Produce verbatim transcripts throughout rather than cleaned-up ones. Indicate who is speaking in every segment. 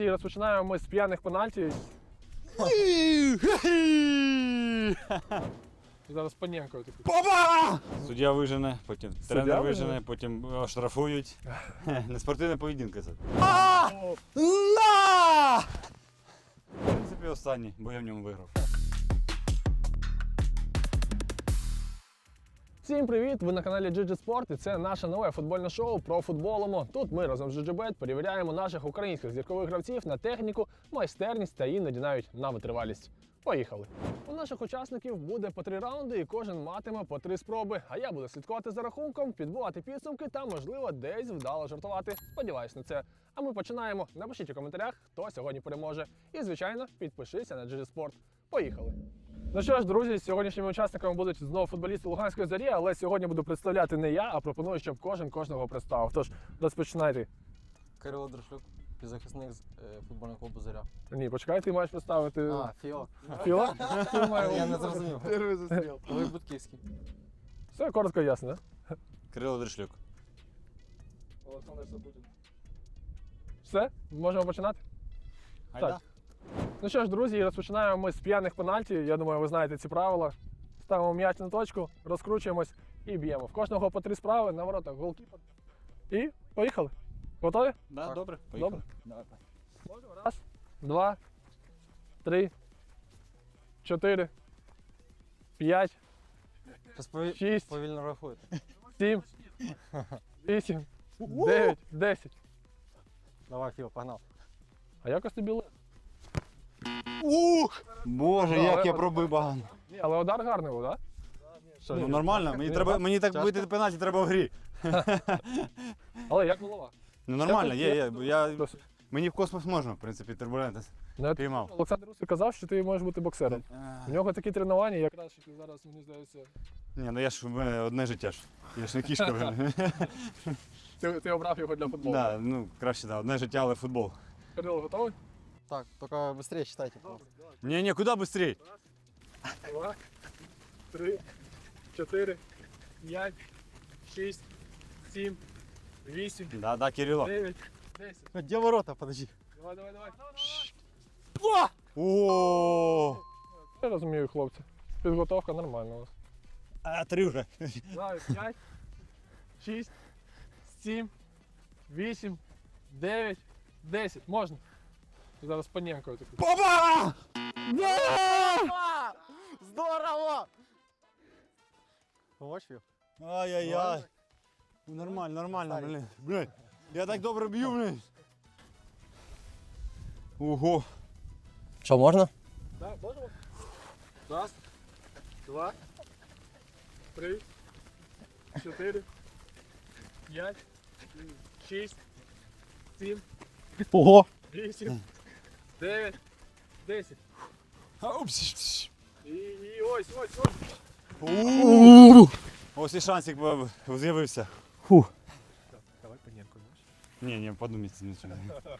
Speaker 1: І розпочинаємо ми з п'яних пенальті. Зараз Паненко такий.
Speaker 2: Папа! Суддя вижене, потім
Speaker 1: Суддя
Speaker 2: тренер
Speaker 1: вижене?
Speaker 2: вижене, потім штрафують. Неспортивне поєдинки це.
Speaker 1: О,
Speaker 2: В принципі, останній, бо я в ньому виграв.
Speaker 1: Всім привіт! Ви на каналі джі джі Sport і це наше нове футбольне шоу про футболимо. Тут ми разом з джі джі бет перевіряємо наших українських зіркових гравців на техніку, майстерність та іноді навіть на витривалість. Поїхали! У наших учасників буде по три раунди і кожен матиме по три спроби. А я буду слідкувати за рахунком, підбивати підсумки та, можливо, десь вдало жартувати. Сподіваюсь на це. А ми починаємо. Напишіть у коментарях, хто сьогодні переможе. І, звичайно, підпишися на джі джі Sport. Поїхали! Ну що ж, друзі, сьогоднішніми учасниками будуть знову футболісти Луганської Зорі, але сьогодні буду представляти не я, а пропоную, щоб кожен кожного представив. Тож, розпочинайте.
Speaker 3: Кирило Дрошлюк, півзахисник з е, футбольного клубу «Зоря».
Speaker 1: Ні, почекай, ти маєш представити
Speaker 3: А, Фіо.
Speaker 1: Філа. Ти маєш-
Speaker 3: Я не зрозумів.
Speaker 1: Перший застріл.
Speaker 3: Олег Будківський.
Speaker 1: Все коротко і ясно, так?
Speaker 2: Кирило Дрошлюк.
Speaker 1: Олександр Сапутін. Все? Можемо починати?
Speaker 2: Айда.
Speaker 1: Ну що ж, друзі, розпочинаємо ми з п'яних пенальті. Я думаю, ви знаєте ці правила. Ставимо м'яч на точку, розкручуємось і б'ємо. В кожного по три справи, на воротах голкіпер. І поїхали. Готові?
Speaker 2: Да,
Speaker 3: Так.
Speaker 2: добре, поїхали.
Speaker 1: Добре.
Speaker 2: Давай.
Speaker 1: Раз, два, три, чотири, п'ять,
Speaker 3: Щас пові-
Speaker 1: шість,
Speaker 3: повільно рахуєте.
Speaker 1: сім, вісім, дев'ять, десять.
Speaker 3: Давай, Фіо, погнав.
Speaker 1: А якось тобі легко.
Speaker 2: Ух! Боже,
Speaker 1: Ну,
Speaker 2: як
Speaker 1: але-
Speaker 2: я пробив багано.
Speaker 1: Ні, але удар гарний був, так?
Speaker 3: Що,
Speaker 2: Ну нормально, мені
Speaker 1: Ні,
Speaker 2: треба,
Speaker 1: так?
Speaker 2: мені так
Speaker 3: Тяжко?
Speaker 2: бити пенальті треба в грі.
Speaker 1: Але як голова?
Speaker 2: Ну нормально,
Speaker 1: Я
Speaker 2: є, є.
Speaker 1: тут-
Speaker 2: бо Я,
Speaker 1: Досить.
Speaker 2: мені в космос можна, в принципі, турбулентність.
Speaker 1: Ну,
Speaker 2: Піймав.
Speaker 1: Олександр Русик казав, що ти можеш бути боксером. У нього такі тренування, якраз що ти зараз, мені здається,
Speaker 2: Ні, ну я ж в мене одне життя ж. Я ж не кішка вже.
Speaker 1: ти, ти обрав його для футболу.
Speaker 2: Да, ну краще, да, одне життя, але футбол.
Speaker 1: Кирило, готовий?
Speaker 3: Так, тільки швидше читайте. просто.
Speaker 2: Ні, ні, куди швидше?
Speaker 1: Два, три, чотири, п'ять, шість, сім, вісім,
Speaker 2: Да, да, Кирило.
Speaker 1: дев'ять, десять.
Speaker 3: Де ворота, подожди.
Speaker 1: Давай, давай, давай.
Speaker 2: О!
Speaker 1: Я розумію, хлопці. Підготовка нормальна у вас.
Speaker 2: А три вже.
Speaker 1: Давай, п'ять, шість, сім, вісім, дев'ять, десять. Можна. Зараз Паненко такий.
Speaker 2: Папа!
Speaker 3: Здорово! Помочь, Фіо?
Speaker 2: Ай-яй-яй. Ну, Нормально, нормально,
Speaker 3: Старий.
Speaker 2: блин. Блин, я так добре б'ю, блин. Ого.
Speaker 3: Що, можна?
Speaker 1: Так, можемо? Раз, два, три, чотири, п'ять, шість, сім,
Speaker 3: Ого!
Speaker 1: вісім, дев'ять, десять.
Speaker 2: А, упс.
Speaker 1: І, і ось, ось, ось.
Speaker 2: У. Ось і шансик б- з'явився.
Speaker 1: Давай Паненко, знаєш.
Speaker 2: Ні, ні, подумайте нічого.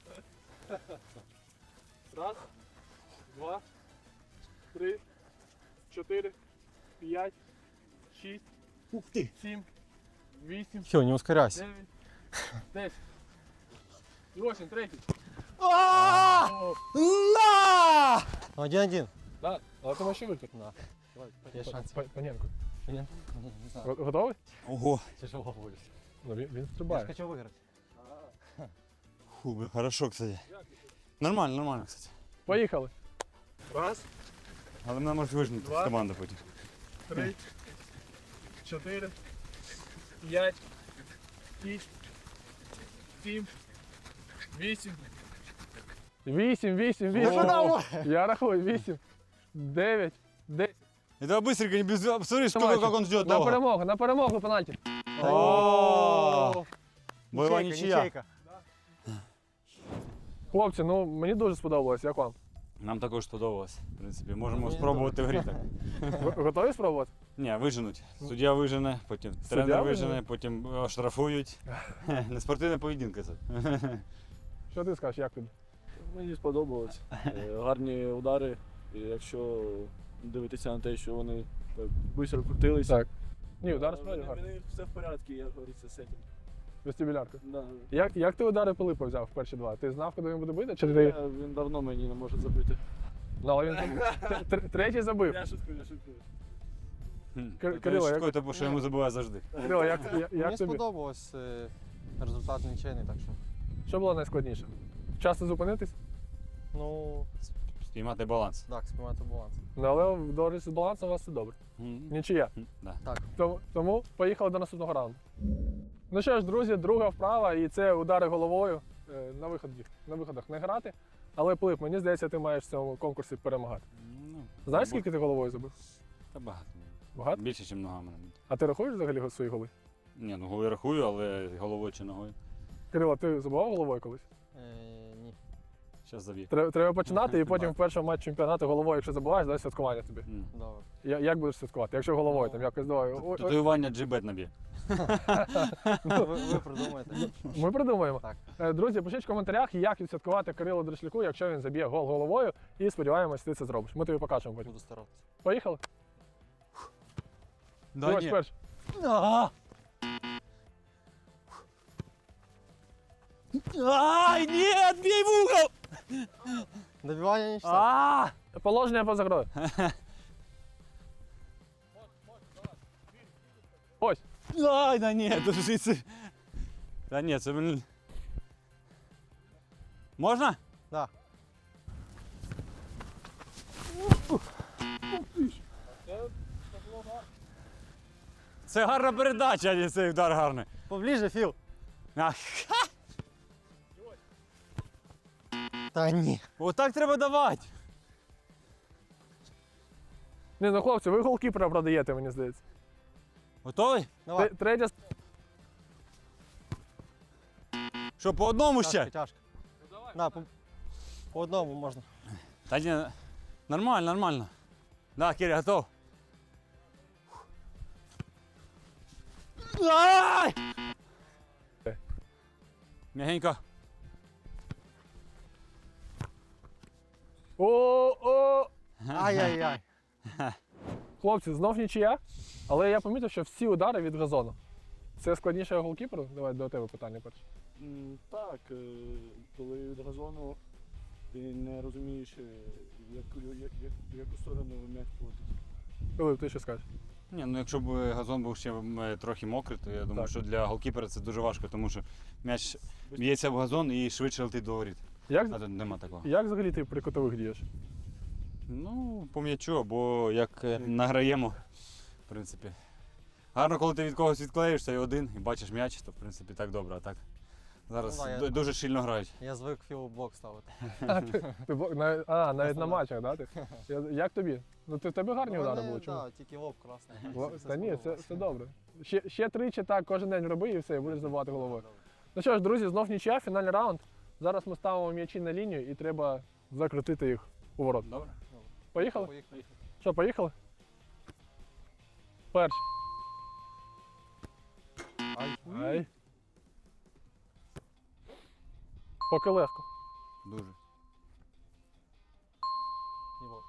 Speaker 1: Раз, два, три, чотири, п'ять, шість,
Speaker 2: Ух ти.
Speaker 1: сім, вісім,
Speaker 3: Фіо, не ускоряйся.
Speaker 1: дев'ять, десять. І ось він, третій.
Speaker 2: А!
Speaker 1: О,
Speaker 2: На!
Speaker 3: Один-один.
Speaker 1: да, але ти можеш ще випити.
Speaker 3: Да.
Speaker 1: Давай,
Speaker 3: Є
Speaker 1: Па-
Speaker 3: шанс.
Speaker 1: Па- Паненко.
Speaker 3: Ні, не знаю.
Speaker 1: Го- Готовий?
Speaker 2: Ого.
Speaker 3: Тяжело буде.
Speaker 1: Ну, він, він
Speaker 3: Я ж
Speaker 1: стрибає.
Speaker 3: хочу виграти.
Speaker 2: Фу, бля, хорошо, кстати. Нормально, нормально, кстати.
Speaker 1: Поїхали. Раз,
Speaker 2: Але мене може вижнути
Speaker 1: Два.
Speaker 2: з команди потім.
Speaker 1: три, чотири, п'ять, шість, сім, вісім. Вісім, вісім, вісім.
Speaker 2: О!
Speaker 1: Я рахую, вісім, дев'ять, десять.
Speaker 2: Это быстренько, не без... Смотри, что, как он ждет
Speaker 1: На
Speaker 2: долго.
Speaker 1: перемогу, на перемогу пенальті.
Speaker 2: О! Бойова нічия.
Speaker 1: Хлопці, ну мені дуже сподобалось, як вам?
Speaker 2: Нам також сподобалось, в принципі. Можемо
Speaker 3: Мені
Speaker 2: спробувати в грі так.
Speaker 1: Ви готові спробувати?
Speaker 2: Ні, виженуть. Суддя вижене, потім
Speaker 1: Суддя
Speaker 2: тренер
Speaker 1: вижене?
Speaker 2: вижене, потім е, штрафують. Неспортивне поєдинки це.
Speaker 1: Що ти скажеш, як тобі?
Speaker 4: Мені сподобалось. Е, Гарні удари. І якщо дивитися на те, що вони так швидко крутилися.
Speaker 1: Так. Ні, удар справді
Speaker 4: Вони-
Speaker 1: гарний.
Speaker 4: вони все в порядку, як говориться, з цим.
Speaker 1: Вестибулярка.
Speaker 4: Да.
Speaker 1: Як, як ти удари Пилипа взяв в перші два? Ти знав, куди він буде бити? Чи ти...
Speaker 4: Е, Він давно мені не може забити.
Speaker 1: Ну, але він тр- тр- третій забив.
Speaker 4: Я шуткую, я шуткую.
Speaker 1: Кир- Кирило, як-
Speaker 2: Шкода, тому що йому забуває завжди.
Speaker 1: Кирило, як, як,
Speaker 3: Мені
Speaker 1: як тобі?
Speaker 3: сподобалось е, результат нічийний, так що.
Speaker 1: Що було найскладніше? Вчасно зупинитись?
Speaker 3: Ну,
Speaker 2: Спіймати баланс.
Speaker 3: так, спіймати баланс.
Speaker 1: Ну, але до речі, з балансом у вас все добре. Нічия.
Speaker 2: Да.
Speaker 3: Так.
Speaker 1: Тому, тому поїхали до наступного раунду. Ну що ж, друзі, друга вправа, і це удари головою. Е, На виході, на виходах не грати. Але Пилип, мені здається, ти маєш в цьому конкурсі перемагати.
Speaker 2: Ну,
Speaker 1: Знаєш,
Speaker 2: бо-
Speaker 1: скільки ти головою забив?
Speaker 2: Та багато.
Speaker 1: Багато?
Speaker 2: Більше, ніж ногами.
Speaker 1: А ти рахуєш взагалі свої голи?
Speaker 2: Ні, ну головою рахую, але головою чи ногою.
Speaker 1: Кирило, ти забивав головою колись?
Speaker 3: Е, ні.
Speaker 2: Зараз заб'є.
Speaker 1: Треба, треба починати і потім
Speaker 2: Бачу.
Speaker 1: в першому матчі чемпіонату головою, якщо забуваєш, дай святкування тобі.
Speaker 2: М.
Speaker 3: Добре.
Speaker 1: Я, як будеш святкувати? Якщо головою, там якось давай. Ой, ой,
Speaker 2: Татуювання джибет наб'є.
Speaker 3: ви, ви придумаєте.
Speaker 1: ми придумаємо.
Speaker 3: Так.
Speaker 1: Е, Друзі, пишіть в коментарях, як відсвяткувати Кирилу Дрошляку, якщо він заб'є гол головою, і сподіваємось, ти це зробиш. Ми тобі покажемо потім.
Speaker 3: Буду старатися.
Speaker 1: Поїхали?
Speaker 2: Да
Speaker 1: Давай
Speaker 2: ні.
Speaker 1: перший.
Speaker 2: Ага. Ай, ні, бій в угол!
Speaker 3: Добивання нічого.
Speaker 2: А!
Speaker 1: Положення поза грою. Ось.
Speaker 2: Ай, да ні, то ж це... Та ні, це, блін... Можна?
Speaker 3: Да.
Speaker 2: Це гарна передача, а не цей удар гарний.
Speaker 3: Поближе, Філ.
Speaker 2: Ах,
Speaker 3: Та ні.
Speaker 2: отак треба давати.
Speaker 1: Ні, ну хлопці, ви голкіпера продаєте, мені здається.
Speaker 2: Готовий?
Speaker 3: Давай.
Speaker 1: Те- Третя. с-
Speaker 2: Що, по одному
Speaker 3: Тяжко,
Speaker 2: ще?
Speaker 3: тяжко. На, по, по одному можна.
Speaker 2: Та ні, нормально, нормально. Да, Киря, готов. Ай! Мягенько.
Speaker 1: О-о!
Speaker 3: Ай-яй-яй.
Speaker 1: Хлопці, знов нічия, але я помітив, що всі удари від газону. Це складніше голкіперу? Давай до тебе питання перше.
Speaker 4: М, Так, е, коли від газону ти не розумієш, е, яку, як, як, в яку сторону м'яч полетить.
Speaker 1: Пилип, ти що скажеш?
Speaker 2: Ні, ну якщо б газон був ще м, трохи мокрий, то я думаю,
Speaker 1: Так.
Speaker 2: що для голкіпера це дуже важко, тому що м'яч б'ється в газон і швидше летить до воріт.
Speaker 1: Як,
Speaker 2: А тут нема такого.
Speaker 1: як взагалі ти при кутових дієш?
Speaker 2: Ну, по м'ячу, або як е, награємо, в принципі. Гарно, коли ти від когось відклеїшся і один, і бачиш м'яч, то в принципі так добре, а так. Зараз
Speaker 3: Ну, да, я-
Speaker 2: ду- дуже щільно грають.
Speaker 3: Я звик Філу блок ставити.
Speaker 1: А, ти, ти, бо- на- а навіть на
Speaker 3: да.
Speaker 1: матчах, да? Ти? Я- Як тобі? Ну ти в тебе гарні удари були. Чому?
Speaker 3: Так, тільки лоб красний.
Speaker 1: Ла-
Speaker 3: Все
Speaker 1: Та ні, це,
Speaker 3: сподобалось.
Speaker 1: це добре. Ще, ще тричі так кожен день роби і все, і будеш забивати головою.
Speaker 3: Добре.
Speaker 1: Ну що ж, друзі, знов нічия, фінальний раунд. Зараз ми ставимо м'ячі на лінію і треба закрутити їх у ворот.
Speaker 2: Добре?
Speaker 1: Поїхали?
Speaker 3: Поїхали.
Speaker 1: Що, поїхали? Перший.
Speaker 3: Ай.
Speaker 1: Ай. Поки легко.
Speaker 2: Дуже.
Speaker 3: І вот.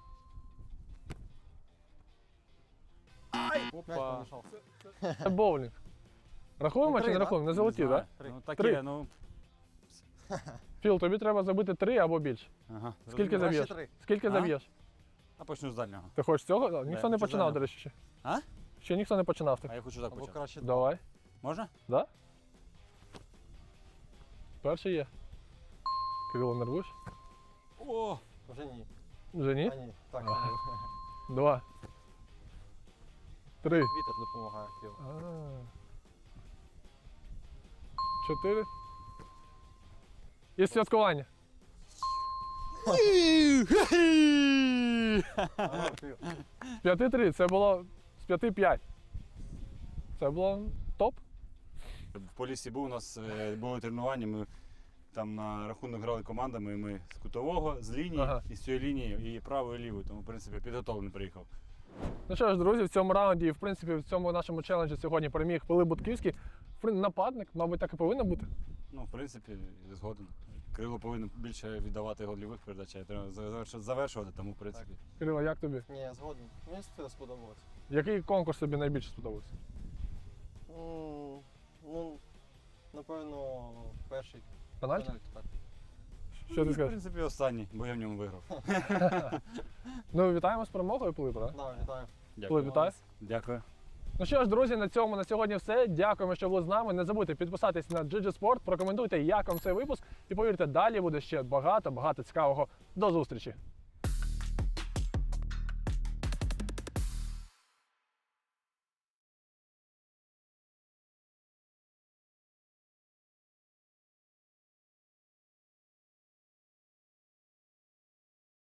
Speaker 3: М'яч
Speaker 1: Опа.
Speaker 3: помішав.
Speaker 1: Це боулінг. Рахуємо
Speaker 3: Ну,
Speaker 1: чи
Speaker 3: три,
Speaker 1: не
Speaker 3: да?
Speaker 1: рахуємо? Не залетів,
Speaker 2: знаю.
Speaker 1: так?
Speaker 3: Три.
Speaker 2: Ну таке,
Speaker 1: Три.
Speaker 2: ну.
Speaker 1: Філ, тобі треба забити три або більше.
Speaker 2: Ага.
Speaker 1: Скільки
Speaker 3: Краще
Speaker 1: заб'єш?
Speaker 3: три.
Speaker 1: Скільки
Speaker 2: А?
Speaker 1: заб'єш?
Speaker 2: А почну з дальнього.
Speaker 1: Ти хочеш цього? Ніхто не
Speaker 2: чи
Speaker 1: починав,
Speaker 2: заново?
Speaker 1: до речі, ще.
Speaker 2: А?
Speaker 1: Ще ніхто не починав так.
Speaker 2: А я хочу так
Speaker 3: Або
Speaker 2: почати.
Speaker 3: краще два.
Speaker 1: Давай.
Speaker 2: Можна?
Speaker 1: Да? Перший є. Кирило, нервуєш?
Speaker 2: О!
Speaker 3: Вже ні.
Speaker 1: Вже ні?
Speaker 3: А ні. Так,
Speaker 1: Ага.
Speaker 3: ні.
Speaker 1: Два. Три.
Speaker 3: Вітер допомагає Філу.
Speaker 1: А. Чотири. І святкування.
Speaker 3: Ага, Філ.
Speaker 1: З п'яти три. Це було з п'яти п'ять. Це було топ.
Speaker 2: В Поліссі був у нас е, були тренування. Ми там на рахунок грали командами. і Ми з кутового, з лінії,
Speaker 1: Ага.
Speaker 2: і з цієї лінії, і правою, і лівою. Тому, в принципі, підготовлений приїхав.
Speaker 1: Ну що ж, друзі, в цьому раунді і в принципі в цьому нашому челенджі сьогодні переміг Пилип Будківський. В принципі, нападник, мабуть, так і повинно бути.
Speaker 2: Ну, в принципі, згоден. Крило повинен більше віддавати гольових передач, а треба заверш- завершувати, тому, в принципі.
Speaker 1: Кирило, як тобі?
Speaker 3: Ні, я згоден. Мені це сподобалось.
Speaker 1: Який конкурс тобі найбільше сподобався?
Speaker 3: М, Ну, Напевно, перший
Speaker 1: Пенальті?
Speaker 3: пенальті, так.
Speaker 1: Що ти
Speaker 2: В
Speaker 1: скажеш?
Speaker 2: принципі, останній, бо я в ньому виграв.
Speaker 1: Ну, вітаємо з перемогою, Пилипе, так?
Speaker 3: Да, вітаю.
Speaker 1: Пилип, вітаю.
Speaker 2: Дякую.
Speaker 1: Ну що ж, друзі, на цьому на сьогодні все. Дякуємо, що були з нами. Не забудьте підписатись на джі джі Sport, прокоментуйте, як вам цей випуск. І повірте, далі буде ще багато-багато цікавого. До зустрічі!